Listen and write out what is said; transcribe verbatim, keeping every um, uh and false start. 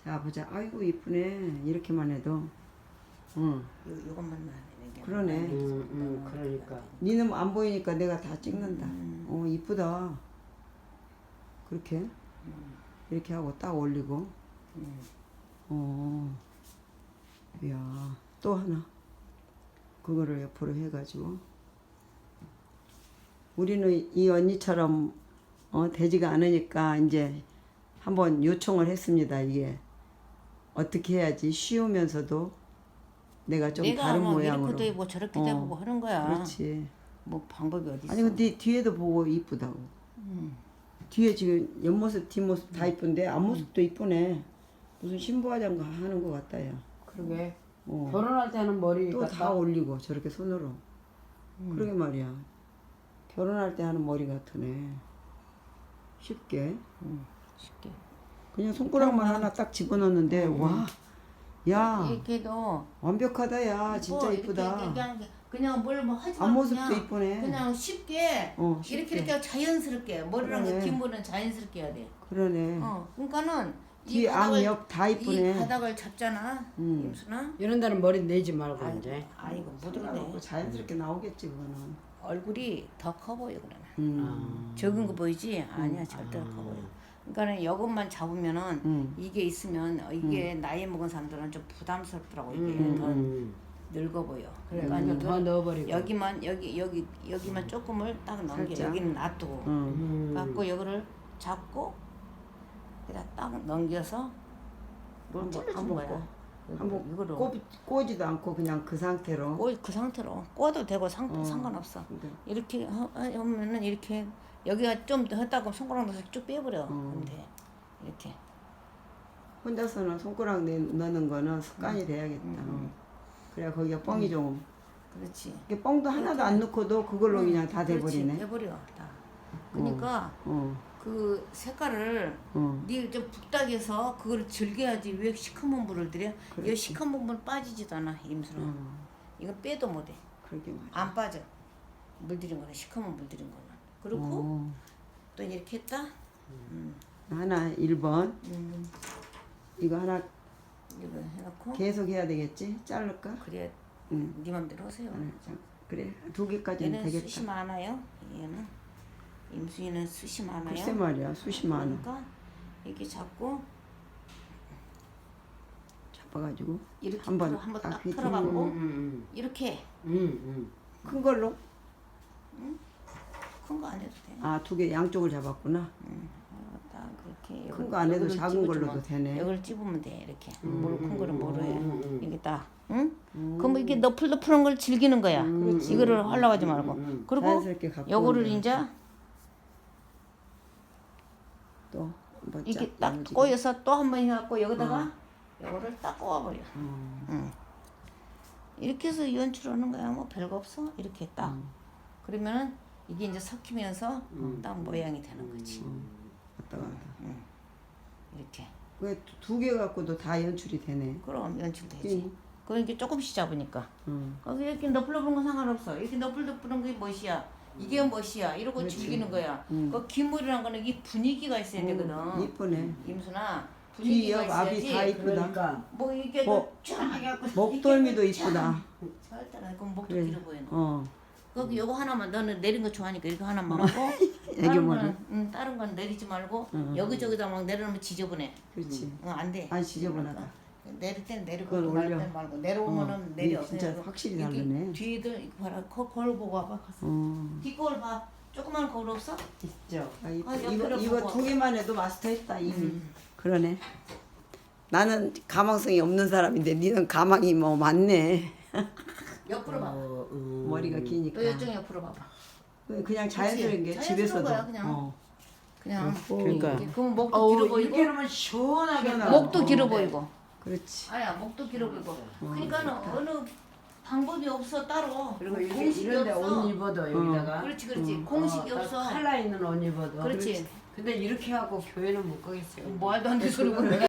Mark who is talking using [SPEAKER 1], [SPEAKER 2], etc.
[SPEAKER 1] 자 보자. 아이고 이쁘네. 이렇게만 해도. 응.
[SPEAKER 2] 요 요것만 나.
[SPEAKER 1] 그러네.
[SPEAKER 3] 음, 음, 그러니까.
[SPEAKER 1] 니는 안 보이니까 내가 다 찍는다.
[SPEAKER 2] 음.
[SPEAKER 1] 어 이쁘다. 그렇게
[SPEAKER 2] 음.
[SPEAKER 1] 이렇게 하고 딱 올리고.
[SPEAKER 2] 음.
[SPEAKER 1] 어. 이야 또 하나. 그거를 옆으로 해가지고. 우리는 이 언니처럼 어, 되지가 않으니까 이제 한번 요청을 했습니다. 이게 어떻게 해야지 쉬우면서도 내가 좀
[SPEAKER 2] 내가
[SPEAKER 1] 다른
[SPEAKER 2] 뭐
[SPEAKER 1] 모양으로.
[SPEAKER 2] 이렇게도 해보고 저렇게도
[SPEAKER 1] 어,
[SPEAKER 2] 해보고 하는 거야.
[SPEAKER 1] 그렇지.
[SPEAKER 2] 뭐 방법이 어디 있어?
[SPEAKER 1] 아니 근데 뒤에도 보고 이쁘다고.
[SPEAKER 2] 음.
[SPEAKER 1] 뒤에 지금 옆모습 뒷모습 다 이쁜데 앞모습도 이쁘네. 무슨 신부화장 하는 것 같다 야.
[SPEAKER 3] 그러게.
[SPEAKER 1] 어.
[SPEAKER 3] 결혼할 때는 머리
[SPEAKER 1] 또 다 올리고 저렇게 손으로.
[SPEAKER 2] 음.
[SPEAKER 1] 그러게 말이야. 결혼할 때 하는 머리 같으네. 쉽게.
[SPEAKER 2] 음. 쉽게.
[SPEAKER 1] 그냥 손가락만 하나 딱 집어넣는데
[SPEAKER 2] 음.
[SPEAKER 1] 와. 야
[SPEAKER 2] 이렇게도
[SPEAKER 1] 완벽하다 야. 진짜
[SPEAKER 2] 뭐
[SPEAKER 1] 이쁘다.
[SPEAKER 2] 이렇게 그냥 그냥 뭘 뭐 하지 말고
[SPEAKER 1] 앞모습도
[SPEAKER 2] 그냥
[SPEAKER 1] 이쁘네.
[SPEAKER 2] 그냥 쉽게,
[SPEAKER 1] 어,
[SPEAKER 2] 이렇게
[SPEAKER 1] 쉽게.
[SPEAKER 2] 이렇게 자연스럽게 머리랑
[SPEAKER 1] 그러네.
[SPEAKER 2] 그 뒷머리는 자연스럽게 해야 돼.
[SPEAKER 1] 그러네.
[SPEAKER 2] 어, 그러니까는
[SPEAKER 1] 뒤, 앞, 옆 다
[SPEAKER 2] 이
[SPEAKER 1] 이쁘네.
[SPEAKER 2] 바닥을 잡잖아.
[SPEAKER 1] 음.
[SPEAKER 2] 임순아.
[SPEAKER 3] 이런 데는 머리 내지 말고
[SPEAKER 2] 아이고,
[SPEAKER 3] 이제.
[SPEAKER 2] 아이고 못
[SPEAKER 1] 상관없고
[SPEAKER 2] 오르네.
[SPEAKER 1] 자연스럽게 나오겠지 그거는.
[SPEAKER 2] 얼굴이 더 커 보여 그러면.
[SPEAKER 1] 음.
[SPEAKER 2] 적은 거 보이지? 아니야 절대 커 보여. 그러니까는 이것만 잡으면은
[SPEAKER 1] 음.
[SPEAKER 2] 이게 있으면 어, 이게 나이 먹은 사람들은 좀 부담스럽더라고 이게
[SPEAKER 3] 음,
[SPEAKER 2] 더
[SPEAKER 3] 음.
[SPEAKER 2] 늙어 보여.
[SPEAKER 3] 그러니까
[SPEAKER 2] 그러니까
[SPEAKER 3] 더 넣어버리고.
[SPEAKER 2] 여기만 여기 여기 여기만 조금을 딱 넘겨.
[SPEAKER 1] 살짝.
[SPEAKER 2] 여기는 놔두고.
[SPEAKER 1] 음.
[SPEAKER 3] 음.
[SPEAKER 2] 갖고 이거를 잡고 여기다 딱 넘겨서 롤
[SPEAKER 1] 한번
[SPEAKER 2] 찔러준
[SPEAKER 1] 한번
[SPEAKER 2] 거야.
[SPEAKER 1] 꼬.
[SPEAKER 2] 이거-
[SPEAKER 1] 한번
[SPEAKER 2] 이거로
[SPEAKER 1] 꼬, 꼬지도 않고 그냥 그 상태로.
[SPEAKER 2] 꼬, 그 상태로 꼬도 되고 상,
[SPEAKER 1] 어.
[SPEAKER 2] 상관없어.
[SPEAKER 1] 근데
[SPEAKER 2] 이렇게 하- 하면은 이렇게 여기가 좀 더 했다고 손가락 넣어서 쭉 빼버려.
[SPEAKER 1] 어.
[SPEAKER 2] 근데 이렇게
[SPEAKER 1] 혼자서는 손가락 내, 넣는 거는 습관이 돼야겠다.
[SPEAKER 2] 음.
[SPEAKER 1] 그래야 거기가 뻥이 좀.
[SPEAKER 2] 그렇지.
[SPEAKER 1] 이게 뻥도 하나도 안 넣고도 그걸로
[SPEAKER 2] 응,
[SPEAKER 1] 그냥 다
[SPEAKER 2] 그렇지.
[SPEAKER 1] 돼버리네.
[SPEAKER 2] 돼버려 다. 그러니까
[SPEAKER 1] 어,
[SPEAKER 2] 그 색깔을
[SPEAKER 1] 어.
[SPEAKER 2] 네좀 북닥에서 그걸 즐겨야지. 왜 시커먼 물을 들여?
[SPEAKER 1] 그렇지.
[SPEAKER 2] 이 시커먼 물 빠지지도 않아 임수로.
[SPEAKER 1] 어.
[SPEAKER 2] 이거 빼도 못해.
[SPEAKER 1] 그러게 말이야.
[SPEAKER 2] 안 빠져. 물들인 거는 시커먼 물들인 거는. 그렇고
[SPEAKER 1] 어.
[SPEAKER 2] 또 이렇게 했다. 음.
[SPEAKER 1] 하나 일 번.
[SPEAKER 2] 음.
[SPEAKER 1] 이거 하나
[SPEAKER 2] 이거 해놓고
[SPEAKER 1] 계속 해야 되겠지? 자를까?
[SPEAKER 2] 그래
[SPEAKER 1] 응.
[SPEAKER 2] 네 맘대로 하세요.
[SPEAKER 1] 하나, 자, 그래 두 개까지는
[SPEAKER 2] 얘는
[SPEAKER 1] 되겠다.
[SPEAKER 2] 숱이 많아요. 얘는 임수이는 숱이 많아요.
[SPEAKER 1] 글쎄 말이야 수십 만 원.
[SPEAKER 2] 그러니까 이렇게 잡고
[SPEAKER 1] 잡아가지고
[SPEAKER 2] 이렇게
[SPEAKER 1] 한번
[SPEAKER 2] 풀어, 한번
[SPEAKER 1] 딱
[SPEAKER 2] 딱
[SPEAKER 1] 휘두르고.
[SPEAKER 2] 풀어갖고
[SPEAKER 3] 음,
[SPEAKER 2] 이렇게
[SPEAKER 3] 음, 음.
[SPEAKER 1] 큰 걸로?
[SPEAKER 2] 큰 거 안 해도 돼.
[SPEAKER 1] 아 두 개 양쪽을 잡았구나.
[SPEAKER 2] 어, 딱 그렇게
[SPEAKER 1] 큰 거 안 해도
[SPEAKER 2] 여기를
[SPEAKER 1] 작은 걸로도
[SPEAKER 2] 찝어주면,
[SPEAKER 1] 되네.
[SPEAKER 2] 여기를 찝으면 돼 이렇게. 뭐를 큰 거를 뭐로 해?
[SPEAKER 3] 음, 음.
[SPEAKER 2] 이게 딱, 응? 그럼 이게 너플너플한 걸 즐기는 거야.
[SPEAKER 1] 그렇지.
[SPEAKER 2] 이거를 하려고 하지 말고.
[SPEAKER 3] 음,
[SPEAKER 2] 그리고
[SPEAKER 1] 자연스럽게 갖고
[SPEAKER 2] 요거를
[SPEAKER 1] 오는
[SPEAKER 2] 이제
[SPEAKER 1] 또 뭐
[SPEAKER 2] 이렇게
[SPEAKER 1] 짝
[SPEAKER 2] 딱
[SPEAKER 1] 야무지게.
[SPEAKER 2] 꼬여서 또 한 번 해갖고 여기다가 요거를 딱 꼬아버려.
[SPEAKER 1] 어.
[SPEAKER 2] 응. 이렇게 해서 연출하는 거야. 뭐 별거 없어. 이렇게 딱.
[SPEAKER 1] 음.
[SPEAKER 2] 그러면은 이게 이제 섞이면서 딱 모양이 되는 거지.
[SPEAKER 1] 왔다 갔다.
[SPEAKER 2] 이렇게.
[SPEAKER 1] 왜두 개 갖고도 다 연출이 되네.
[SPEAKER 2] 그럼 연출되지.
[SPEAKER 1] 응.
[SPEAKER 2] 그럼 이렇게 조금씩 잡으니까.
[SPEAKER 1] 응.
[SPEAKER 2] 거기 이렇게 너플너플한 건 상관없어. 이렇게 너플너플한 게 멋이야. 이게 멋이야. 이러고
[SPEAKER 1] 그렇지.
[SPEAKER 2] 즐기는 거야.
[SPEAKER 1] 음.
[SPEAKER 2] 그 기물이란 거는 이 분위기가 있어야 되거든.
[SPEAKER 1] 이쁘네.
[SPEAKER 2] 임순아.
[SPEAKER 1] 뒤,
[SPEAKER 2] 분위기가
[SPEAKER 1] 옆, 앞이
[SPEAKER 2] 있어야지.
[SPEAKER 1] 다 이쁘다.
[SPEAKER 3] 그러니까.
[SPEAKER 2] 뭐 이게
[SPEAKER 1] 뭐,
[SPEAKER 2] 쫙 해갖고
[SPEAKER 1] 목덜미도
[SPEAKER 2] 이렇게
[SPEAKER 1] 이쁘다.
[SPEAKER 2] 절대 안. 그럼 목도
[SPEAKER 1] 그래.
[SPEAKER 2] 길어 보이는.
[SPEAKER 1] 어.
[SPEAKER 2] 거기 요거 하나만 너는 내린 거 좋아하니까 이거 하나만 하고
[SPEAKER 1] 애기
[SPEAKER 2] 다른
[SPEAKER 1] 머리.
[SPEAKER 2] 거는 응, 다른 건 내리지 말고 여기저기다 막 내려놓으면 지저분해.
[SPEAKER 1] 그렇지.
[SPEAKER 2] 응, 안 돼.
[SPEAKER 1] 안 지저분하다.
[SPEAKER 2] 내릴 땐 내리고
[SPEAKER 1] 그걸
[SPEAKER 2] 갈
[SPEAKER 1] 올려.
[SPEAKER 2] 땐 말고 내려오면은
[SPEAKER 1] 어,
[SPEAKER 2] 내려.
[SPEAKER 1] 이게 진짜
[SPEAKER 2] 그냥
[SPEAKER 1] 확실히
[SPEAKER 2] 이렇게
[SPEAKER 1] 다르네.
[SPEAKER 2] 뒤들 이거 봐라. 거, 거울 보고 와봐. 가서.
[SPEAKER 1] 어.
[SPEAKER 2] 뒷거울 봐. 조그만 거울 없어?
[SPEAKER 3] 있죠.
[SPEAKER 1] 아, 이거
[SPEAKER 2] 아,
[SPEAKER 1] 이거,
[SPEAKER 2] 옆으로
[SPEAKER 1] 이거
[SPEAKER 2] 보고.
[SPEAKER 1] 두 개만 해도 마스터했다 이미.
[SPEAKER 2] 음.
[SPEAKER 1] 그러네. 나는 가망성이 없는 사람인데 니는 가망이 뭐 많네.
[SPEAKER 2] 옆으로 봐봐.
[SPEAKER 3] 어, 음.
[SPEAKER 1] 머리가 기니까.
[SPEAKER 2] 또 이쪽 옆으로 봐봐.
[SPEAKER 1] 그냥 자연스러운 게
[SPEAKER 2] 그치?
[SPEAKER 1] 집에서도.
[SPEAKER 2] 자연스러운 거야, 그냥.
[SPEAKER 1] 어.
[SPEAKER 2] 그냥
[SPEAKER 3] 그러니까.
[SPEAKER 2] 이렇게. 그러면 목도
[SPEAKER 3] 어우,
[SPEAKER 2] 길어
[SPEAKER 3] 이렇게
[SPEAKER 2] 보이고
[SPEAKER 3] 하면 시원하게
[SPEAKER 1] 시원하고.
[SPEAKER 2] 목도
[SPEAKER 3] 나.
[SPEAKER 2] 길어
[SPEAKER 3] 어,
[SPEAKER 2] 보이고.
[SPEAKER 1] 그렇지.
[SPEAKER 2] 아야 목도 길어 보이고. 그러니까는 어느 방법이 없어 따로.
[SPEAKER 3] 그리고 이렇게
[SPEAKER 2] 공식이
[SPEAKER 3] 이런데
[SPEAKER 2] 없어.
[SPEAKER 3] 옷 입어도 여기다가.
[SPEAKER 2] 그렇지 그렇지.
[SPEAKER 1] 음.
[SPEAKER 2] 공식이
[SPEAKER 3] 어, 딱
[SPEAKER 2] 없어.
[SPEAKER 3] 칼라 있는 옷 입어도.
[SPEAKER 2] 그렇지.
[SPEAKER 3] 근데 이렇게 하고 교회는 못 가겠어요.
[SPEAKER 2] 말도 안 되는 소리 그래.